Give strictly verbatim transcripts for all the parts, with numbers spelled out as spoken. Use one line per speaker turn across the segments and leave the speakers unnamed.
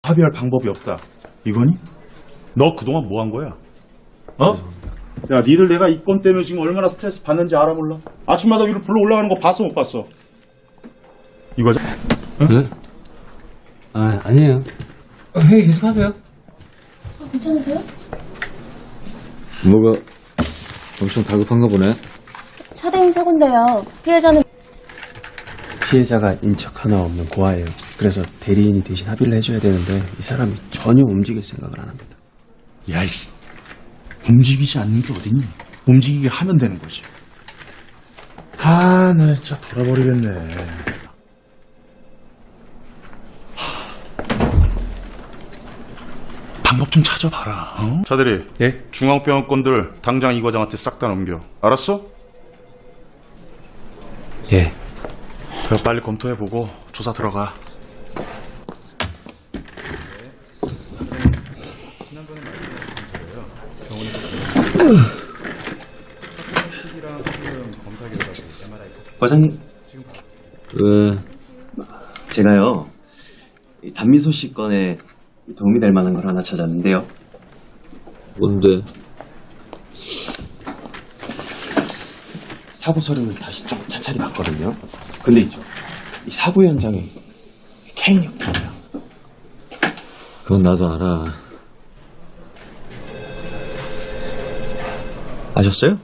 합의할 방법이 없다. 이거니? 너 그동안 뭐 한 거야? 어? 야, 니들 내가 이 건 때문에 지금 얼마나 스트레스 받는지 알아 몰라? 아침마다 위로 불러 올라가는 거 봤어 못 봤어? 이거죠?
응? 네? 아, 아니에요. 회의 계속 하세요.
아, 괜찮으세요?
뭐가 엄청 다급한가 보네.
차대인 사고인데요. 피해자는
피해자가 인척 하나 없는 고아예요. 그래서 대리인이 대신 합의를 해줘야 되는데 이 사람이 전혀 움직일 생각을 안 합니다.
야, 이씨. 움직이지 않는 게 어딨니? 움직이게 하면 되는 거지. 아, 나 진짜 돌아버리겠네. 방법 좀 찾아봐라. 어? 차대리.
예?
중앙병원 건들 당장 이 과장한테 싹 다 넘겨. 알았어?
예.
그래, 빨리 검토해보고 조사 들어가.
과장님,
왜?
제가요 이 단미소 씨 건에 도움이 될 만한 걸 하나 찾았는데요.
뭔데?
사고 서류를 다시 좀 찬찬히 봤거든요. 근데 있죠. 이 사고 현장에 케인이 없더라고요.
그건 나도 알아.
아셨어요?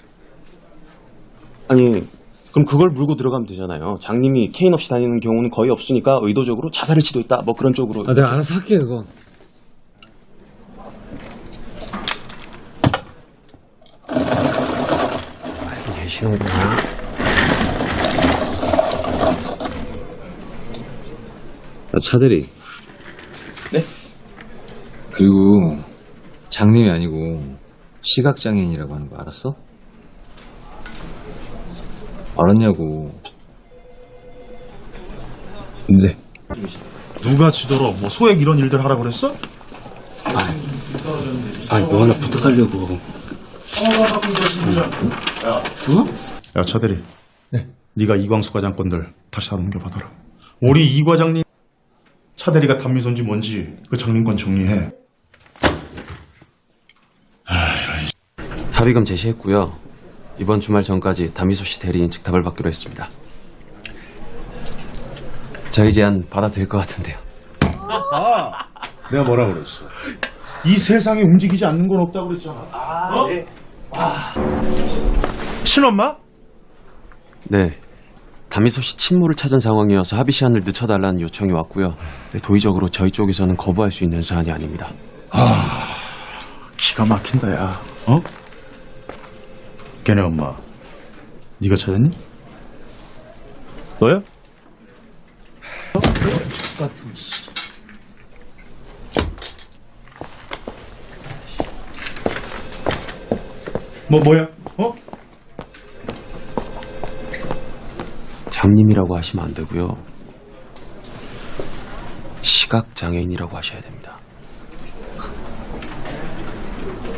아니, 그럼 그걸 물고 들어가면 되잖아요. 장님이 케인 없이 다니는 경우는 거의 없으니까 의도적으로 자살을 시도했다. 뭐 그런 쪽으로.
아, 내가 알아서 할게, 그건.
알고 계시는구나.
야, 차대리.
네?
그리고 장님이 아니고 시각장애인이라고 하는 거 알았어? 알았냐고.
네.
누가 지더러 뭐 소액 이런 일들 하라 그랬어?
아, 뭐 하나 부탁하려고.
야, 차대리. 네. 네가 이광수 과장 건들 다시 다 넘겨받아라. 우리 이 과장님 차대리가 단미소인지 뭔지 그 장님권 정리해.
합의금 제시했고요. 이번 주말 전까지 다미소 씨 대리인 측 답을 받기로 했습니다. 저희 제안 받아들일 것 같은데요.
아, 내가 뭐라 그랬어? 이 세상에 움직이지 않는 건 없다고 그랬잖아. 아, 어? 네. 아. 친엄마?
네. 다미소 씨 친모를 찾은 상황이어서 합의 시한을 늦춰달라는 요청이 왔고요. 도의적으로 저희 쪽에서는 거부할 수 있는 사안이 아닙니다.
아, 기가 막힌다, 야. 어? 걔네 엄마, 네가 찾았니? 너야? 어? 같은 씨. 뭐 뭐야? 어?
장님이라고 하시면 안 되고요. 시각장애인이라고 하셔야 됩니다.